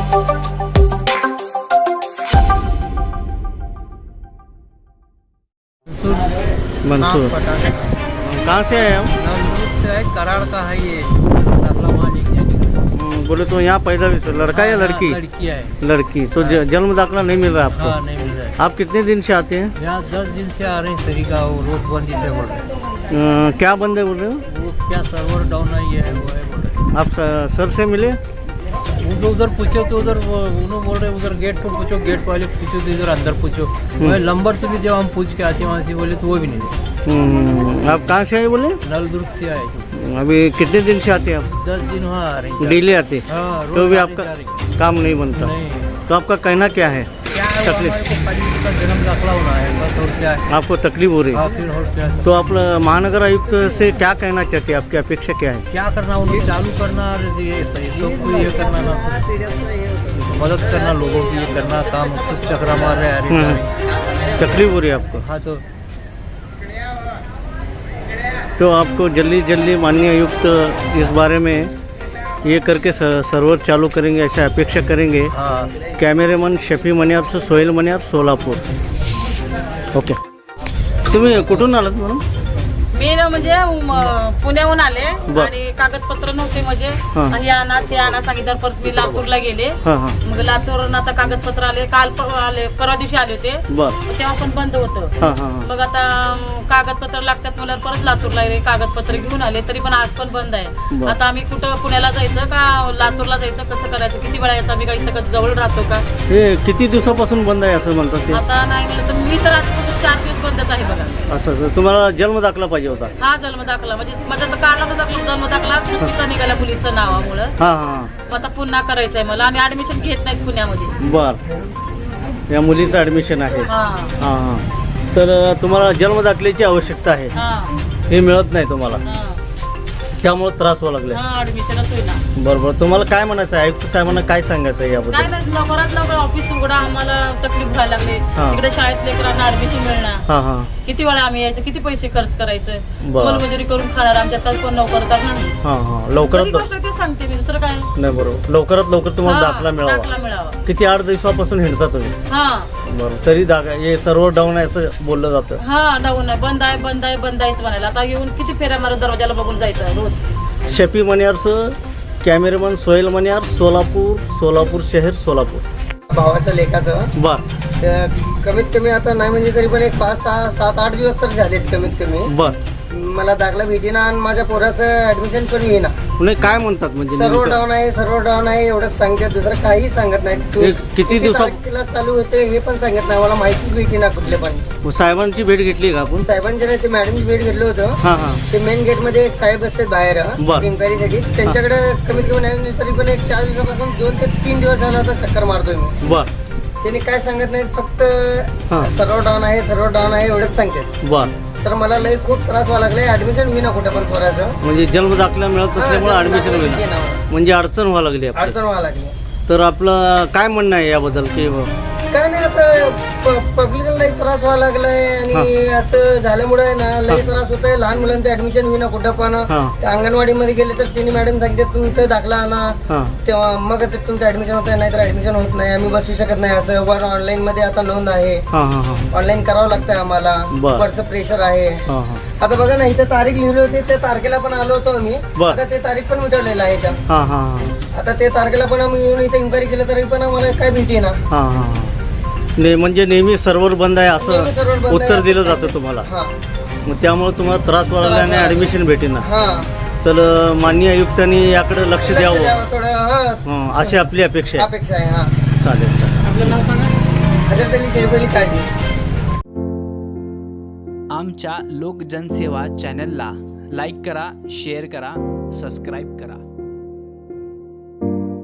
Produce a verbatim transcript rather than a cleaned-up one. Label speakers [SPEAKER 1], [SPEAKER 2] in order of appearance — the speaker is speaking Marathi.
[SPEAKER 1] मंसूर, कहाँ से आए हम?
[SPEAKER 2] से है, कराड़ का है ये दाखला वहाँ लेके जाने।
[SPEAKER 1] बोले तो यहाँ पैदा भी से लड़का या लड़की?
[SPEAKER 2] लड़की है।
[SPEAKER 1] लड़की तो ज- जन्म दाखला नहीं मिल रहा आपको?
[SPEAKER 2] हाँ नहीं मिल रहा है।
[SPEAKER 1] आप कितने दिन से आते हैं?
[SPEAKER 2] यहाँ दस दिन से आ रहे हैं, तरीका वो नोटबंदी से बोल रहे हैं।
[SPEAKER 1] अ, क्या बंद है बोल रहे हो?
[SPEAKER 2] वो क्या सर्वर डाउन है ये है वो है बोल रहे हैं।
[SPEAKER 1] आप स- सर से मिले?
[SPEAKER 2] उनको उधर पूछो तो उधर वो उन्होंने बोल रहे हैं उधर गेट पर पूछो, गेट वाले पूछो तो इधर अंदर पूछो। मैं नंबर से भी जब हम पूछ के आते हैं वहाँ से बोले तो वो भी नहीं दे।
[SPEAKER 1] हम्म, आप कहाँ से आए बोले?
[SPEAKER 2] नलदुर्ग से आए।
[SPEAKER 1] अभी कितने दिन से आते हैं आप?
[SPEAKER 2] दस दिन वहाँ आ रहे हैं।
[SPEAKER 1] डेली आते?
[SPEAKER 2] हाँ, रोज
[SPEAKER 1] तो भी
[SPEAKER 2] आते
[SPEAKER 1] आपका
[SPEAKER 2] जा रहे हैं।
[SPEAKER 1] काम नहीं बनता?
[SPEAKER 2] नहीं।
[SPEAKER 1] तो आपका कहना क्या है?
[SPEAKER 2] क्या है वो
[SPEAKER 1] तकलीफ?
[SPEAKER 2] हमारे को खाली उसका जन्म दाखला होना है बस, और क्या है।
[SPEAKER 1] आपको तकलीफ हो रही
[SPEAKER 2] हाँ
[SPEAKER 1] है?
[SPEAKER 2] फिर और क्या है।
[SPEAKER 1] तो आप महानगर आयुक्त से क्या कहना चाहते हैं? आपकी अपेक्षा क्या है?
[SPEAKER 2] क्या करना उन्हें चालू करना और ये सही सबको ये करना ना, मदद करना लोगों की, ये करना काम कुछ चक्रा मार रहे हैं।
[SPEAKER 1] हम्म।
[SPEAKER 2] अरे
[SPEAKER 1] तकलीफ हो रही है आपको?
[SPEAKER 2] हाँ तो
[SPEAKER 1] तो आपको जल्दी जल्दी माननीय आयुक्त इस बारे में ये करके स- सर्वर चालू करेंगे ऐसा अपेक्षा करेंगे।
[SPEAKER 2] हाँ
[SPEAKER 1] कॅमेरेमन शफी मन्यार से सोहेल मन्यार सोलापूर. ओके. तुम्ही कुठून आलात म्हणून?
[SPEAKER 3] मी ना म्हणजे उम, पुण्याहून आले
[SPEAKER 1] बर.
[SPEAKER 3] आणि कागदपत्र नव्हते म्हणजे
[SPEAKER 1] हा.
[SPEAKER 3] हे आणा ते आणा सांगितलं. परत मी लातूरला गेले.
[SPEAKER 1] हां हां
[SPEAKER 3] मग लातूरवरून आता कागदपत्र आले. काल प- आले परवा दिवशी आले होते.
[SPEAKER 1] बर
[SPEAKER 3] मग तेव्हा पण बंद होतं.
[SPEAKER 1] हां हां हां
[SPEAKER 3] मग आता अं, कागदपत्र लागतात मला परत लातूरला गेले, कागदपत्र घेऊन आले. तरी पण आज पण बंद आहे.
[SPEAKER 1] बर.
[SPEAKER 3] आता आम्ही कुठं पुण्याला जायचं का लातूरला जायचं, कसं करायचं, किती वेळा यायचं, आम्ही काही इथं जवळ राहतो का?
[SPEAKER 1] हे किती दिवसापासून बंद आहे असं म्हणतात ते?
[SPEAKER 3] आता नाही म्हणलं तर मी तर आजपासून चार दिवस बंदच आहे बघा.
[SPEAKER 1] असं असं तुम्हाला जन्म दाखला पाहिजे होता?
[SPEAKER 3] हा जन्म दाखला म्हणजे माझा तर काढला होता जन्म दाखला चुकीचा निघाला मुलीचं नावामुळं.
[SPEAKER 1] हां हां
[SPEAKER 3] मग आता पुन्हा करायचंय मला आणि ऍडमिशन घेत नाहीत पुण्यामध्ये.
[SPEAKER 1] बर. या मुलीचं ॲडमिशन आहे?
[SPEAKER 3] हा
[SPEAKER 1] हां हां. तर तुम्हाला जन्म दाखल्याची आवश्यकता आहे,
[SPEAKER 3] हा
[SPEAKER 1] हे मिळत नाही तुम्हाला,
[SPEAKER 3] हा
[SPEAKER 1] त्यामुळे त्रास व्हावा लागले.
[SPEAKER 3] हा ऍडमिशनच होईना.
[SPEAKER 1] बरोबर. तुम्हाला काय म्हणायचं आहे? आयुक्त साहेबांना काय सांगायचं आहे
[SPEAKER 3] काय
[SPEAKER 1] याबद्दल?
[SPEAKER 3] नाही लवकरात लवकर ऑफिस उघडा, आम्हाला तकलीफ व्हायला लागली.
[SPEAKER 1] हा.
[SPEAKER 3] इकडे शाळेत लेकरांना ऍडमिशन मिळणार.
[SPEAKER 1] हां हां
[SPEAKER 3] किती वेळा आम्ही यायचं, किती पैसे खर्च करायचं,
[SPEAKER 1] बरं.
[SPEAKER 3] मोलमजुरी करून खाणार. आमच्या तर कोण नोकरदार नाही.
[SPEAKER 1] हां हां. लवकरात
[SPEAKER 3] कधी गोष्ट ते सांगते मी, दुसरं काय.
[SPEAKER 1] नाही बरोबर. लवकरात लवकर तुम्हाला
[SPEAKER 3] हा,
[SPEAKER 1] दाखला मिळावा.
[SPEAKER 3] दाखला मिळावा.
[SPEAKER 1] किती आठ दिवसापासून हिंडता तुम्ही?
[SPEAKER 3] हा
[SPEAKER 1] बरं. तरी दाखला हे सर्व डाऊन आहे असं बोललं जातं.
[SPEAKER 3] हा डाऊन आहे, बंद आहे, बंद आहे, बंद आहेच म्हणायला. आता येऊन किती फेऱ्या मारून दरवाजाला बघून जायचं रोज.
[SPEAKER 1] शफी मन्यारचं कॅमेरेमन सोहेल मन्यार सोलापूर, सोलापूर शहर सोलापूर.
[SPEAKER 4] भावाच्या लेखाचं
[SPEAKER 1] बर
[SPEAKER 4] तर कमीत कमी आता नाही म्हणजे तरी पण एक पाच सहा सात आठ दिवस तर झालेत कमीत कमी.
[SPEAKER 1] बर.
[SPEAKER 4] मला दाखला भेटेना आणि माझ्या पोराचं ऍडमिशन पण येईना.
[SPEAKER 1] पुणे काय म्हणतात म्हणजे
[SPEAKER 4] सर्व
[SPEAKER 1] नेमकं?
[SPEAKER 4] डाऊन आहे, सर्व डाऊन आहे एवढंच सांगतात, दुसरं काही सांगत नाही. तू
[SPEAKER 1] हे किती दिवसा-
[SPEAKER 4] तारखेला चालू होते हे पण सांगत नाही. मला माहितीच भेटेना कुठले पण.
[SPEAKER 1] मग साहेबांची भेट घेतली का आपण?
[SPEAKER 4] साहेबांच्या नाही ते मॅडमची भेट घेतलं होतं.
[SPEAKER 1] हां हां
[SPEAKER 4] ते मेन गेट मध्ये एक साहेब असतात बाहेर
[SPEAKER 1] बर.
[SPEAKER 4] इन्क्वायरीसाठी. त्यांच्याकडे कमीत कमी नाही म्हणजे तरी पण एक चार दिवसापासून दोन ते तीन दिवस झाला आता चक्कर मारतोय मी.
[SPEAKER 1] बर
[SPEAKER 4] त्यांनी काय सांगत नाहीत, फक्त
[SPEAKER 1] हां.
[SPEAKER 4] सर्व डाऊन आहे, सर्व डाऊन आहे एवढंच सांगतात.
[SPEAKER 1] बर.
[SPEAKER 4] तर मला लई खूप त्रास व्हायला लागलाय. ऍडमिशन होईना कुठे पण पोराचं.
[SPEAKER 1] म्हणजे जन्म दाखला मिळत नसल्यामुळे
[SPEAKER 4] हा,
[SPEAKER 1] ऍडमिशन
[SPEAKER 4] जन्म
[SPEAKER 1] होईल,
[SPEAKER 4] दाखला घेणं.
[SPEAKER 1] म्हणजे अडचण व्हायला लागली आपली.
[SPEAKER 4] अडचण व्हायला लागली.
[SPEAKER 1] तर आपलं काय म्हणणं आहे याबद्दल की
[SPEAKER 4] काय नाही आता पब्लिकला लई त्रास व्हायला लागलाय आणि असं झाल्यामुळे ना लई त्रास होत आहे. लहान मुलांचं ऍडमिशन होईना कुठं पण.
[SPEAKER 1] हां
[SPEAKER 4] अंगणवाडी मध्ये गेले तर तिने मॅडम सांगते तुमचं दाखला आणा,
[SPEAKER 1] हां
[SPEAKER 4] तेव्हा मग ते तुमचं ऍडमिशन होत आहे, नाहीतर ऍडमिशन होत नाही. आम्ही बसू शकत नाही. असं वर ऑनलाईन मध्ये आता नोंद आहे,
[SPEAKER 1] हां हां हां
[SPEAKER 4] ऑनलाईन करावं लागतंय आम्हाला.
[SPEAKER 1] बर.
[SPEAKER 4] वरचं प्रेशर आहे.
[SPEAKER 1] हां हां
[SPEAKER 4] आता बघा ना इथं तारीख लिहिली होती, त्या तारखेला पण आलो होतो आम्ही.
[SPEAKER 1] बर.
[SPEAKER 4] आता ते तारीख पण मिटवलेलं आहे इथं.
[SPEAKER 1] हां हां हां
[SPEAKER 4] आता ते तारखेला पण आम्ही येऊन इथे इन्क्वायरी केलं तरी पण आम्हाला काय भेटी ना.
[SPEAKER 1] हां हां हां ने म्हणजे नेहमी सर्व्हर बंद आहे
[SPEAKER 4] नेहमी server
[SPEAKER 1] असं
[SPEAKER 4] बंद आहे
[SPEAKER 1] उत्तर
[SPEAKER 4] असं
[SPEAKER 1] दिलं
[SPEAKER 4] सांगतात.
[SPEAKER 1] जातं तुम्हाला.
[SPEAKER 4] हा
[SPEAKER 1] मग त्यामुळे तुम्हाला त्रास व्हायला लागला आणि
[SPEAKER 4] त्रास व्हायला
[SPEAKER 1] ऍडमिशन भेटेना.
[SPEAKER 4] हा
[SPEAKER 1] तर माननीय आयुक्तांनी याकडे लक्ष
[SPEAKER 4] लक्ष
[SPEAKER 1] द्यावं,
[SPEAKER 4] द्यावं थोडं. हा
[SPEAKER 1] हं, अशी आपली अपेक्षा आहे.
[SPEAKER 4] अपेक्षा आहे. हा
[SPEAKER 1] चालेल चालेल.
[SPEAKER 3] आपलं नाव सांगा.
[SPEAKER 4] हजार तरी शेरपली काळजी.
[SPEAKER 5] आमच्या लोकजनसेवा चॅनलला लाईक करा, शेअर करा, सबस्क्राईब करा.